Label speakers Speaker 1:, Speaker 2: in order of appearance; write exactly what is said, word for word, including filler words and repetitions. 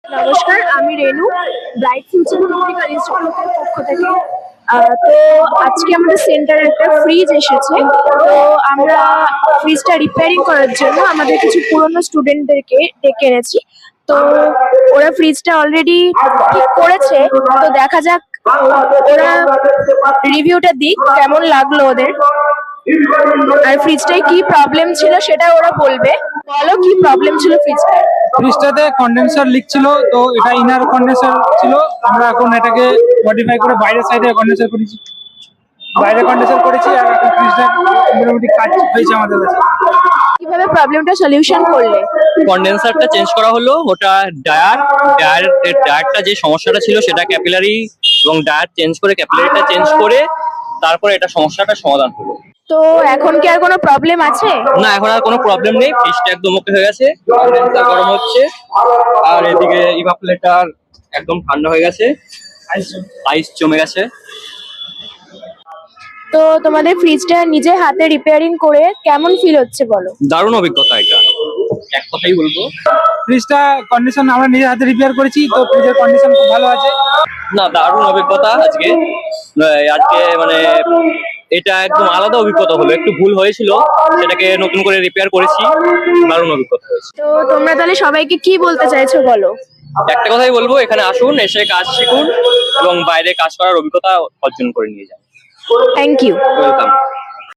Speaker 1: নমস্কার, আমি রেনু, bright future medical ইনস্টিটিউটের পক্ষ থেকে। আহ, তো আজকে আমাদের সেন্টারে একটা ফ্রিজ এসেছে। তো আমরা ফ্রিজটা রিপেয়ারিং করার জন্য আমাদের কিছু পুরনো স্টুডেন্টদেরকে ডেকে এনেছি। তো ওরা ফ্রিজটা অলরেডি ঠিক করেছে, তো দেখা যাক ওরা রিভিউটা দিক কেমন লাগলো ওদের। আর ফ্রিজটায় কি প্রবলেম ছিল সেটা ওরা বলবে। বলো, কি প্রবলেম ছিল ফ্রিজটায়?
Speaker 2: ফ্রিজটাতে কন্ডেন্সার লিক ছিল, তো এটা ইনার কন্ডেন্সার ছিল। আমরা এখন এটাকে মডিফাই করে বাইরের সাইডে কন্ডেন্সার করেছি বাইরে কন্ডেন্সার করেছি আর এখন ফ্রিজটা মোটামুটি কাজ হয়েছে আমাদের কাছে।
Speaker 1: কিভাবে প্রবলেমটা সলিউশন করলে?
Speaker 3: কন্ডেন্সারটা চেঞ্জ করা হলো, ওটা ডায়ার ডায়ার ডায়ারটা যে সমস্যাটা ছিল সেটা ক্যাপিলারি এবং ডায়ার চেঞ্জ করে ক্যাপিলারিটা চেঞ্জ করে তারপরে এটা সমস্যাটা সমাধান হলো।
Speaker 1: তো এখন কি আর কোনো প্রবলেম আছে?
Speaker 3: না, এখন আর কোনো প্রবলেম নেই, ফ্রিজটা একদম ওকে হয়ে গেছে, কন্ডেন্সার গরম হচ্ছে আর এদিকে ইভাপোরেটর একদম ঠান্ডা হয়ে গেছে, আইস জমে গেছে।
Speaker 1: তো তোমাদের ফ্রিজটা নিজে হাতে রিপেয়ারিং করে কেমন ফিল হচ্ছে বলো?
Speaker 3: দারুণ অভিজ্ঞতা, এটা এক কথাই বলবো।
Speaker 2: ফ্রিজটা কন্ডিশন আমরা নিজের হাতে রিপেয়ার করেছি, তো ফ্রিজের কন্ডিশন খুব ভালো আছে।
Speaker 3: না, দারুণ অভিজ্ঞতা আজকে আজকে মানে এটা একদম আলাদা অভিজ্ঞতা হলো। একটু ভুল হয়েছিল, সেটাকে নতুন করে রিপেয়ার করেছি, দারুণ অভিজ্ঞতা হয়েছে।
Speaker 1: তো তোমরা তাহলে সবাইকে কি বলতে চাইছো বলো?
Speaker 3: একটা কথাই বলবো, এখানে আসুন, এসে কাজ শিখুন এবং বাইরে কাজ করার অভিজ্ঞতা অর্জন করে নিয়ে যান।
Speaker 1: Thank you.
Speaker 3: ওয়েলকাম।